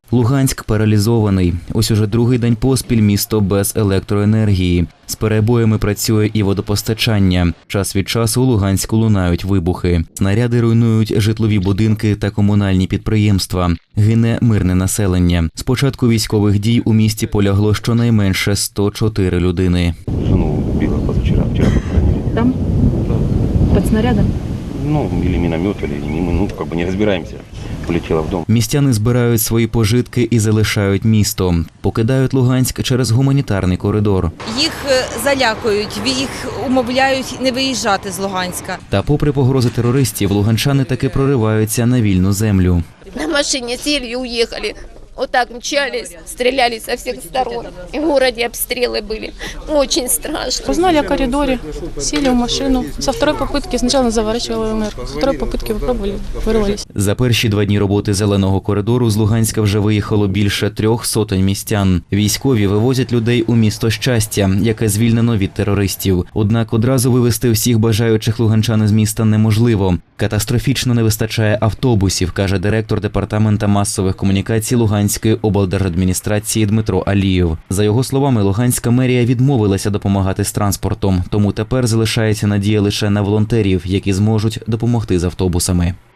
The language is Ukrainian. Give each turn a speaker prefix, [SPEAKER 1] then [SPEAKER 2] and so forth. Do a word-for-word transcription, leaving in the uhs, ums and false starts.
[SPEAKER 1] Луганськ паралізований. Ось уже другий день поспіль місто без електроенергії. З перебоями працює і водопостачання. Час від часу у Луганську лунають вибухи. Снаряди руйнують житлові будинки та комунальні підприємства. Гине мирне населення. З початку військових дій у місті полягло щонайменше сто чотири людини.
[SPEAKER 2] Жену убила позавчера, вчера похоронили.
[SPEAKER 3] Там? Под снарядом?
[SPEAKER 2] Ну, или миномет, или не мы, ну, как бы не разбираемся. Полетела в дом.
[SPEAKER 1] Містяни збирають свої пожитки і залишають місто. Покидають Луганськ через гуманітарний коридор.
[SPEAKER 4] Їх залякують, їх умовляють не виїжджати з Луганська.
[SPEAKER 1] Та попри погрози терористів, луганчани таки прориваються на вільну землю.
[SPEAKER 5] На машине сели и уехали. Вот так мчались, стреляли со всех сторон. И в городе обстрелы были. Очень страшно.
[SPEAKER 3] Узнали о коридоре, сели в машину. Со второй попытки сначала заворачивала ЛНР, со второй попытки попробовали, вырвались.
[SPEAKER 1] За перші два дні роботи зеленого коридору з Луганська вже виїхало більше трьох сотень містян. Військові вивозять людей у місто Щастя, яке звільнено від терористів. Однак одразу вивезти всіх бажаючих луганчан з міста неможливо. Катастрофічно не вистачає автобусів, каже директор департамента масових комунікацій Луганської облдержадміністрації Дмитро Алієв. За його словами, Луганська мерія відмовилася допомагати з транспортом, тому тепер залишається надія лише на волонтерів, які зможуть допомогти з автобусами.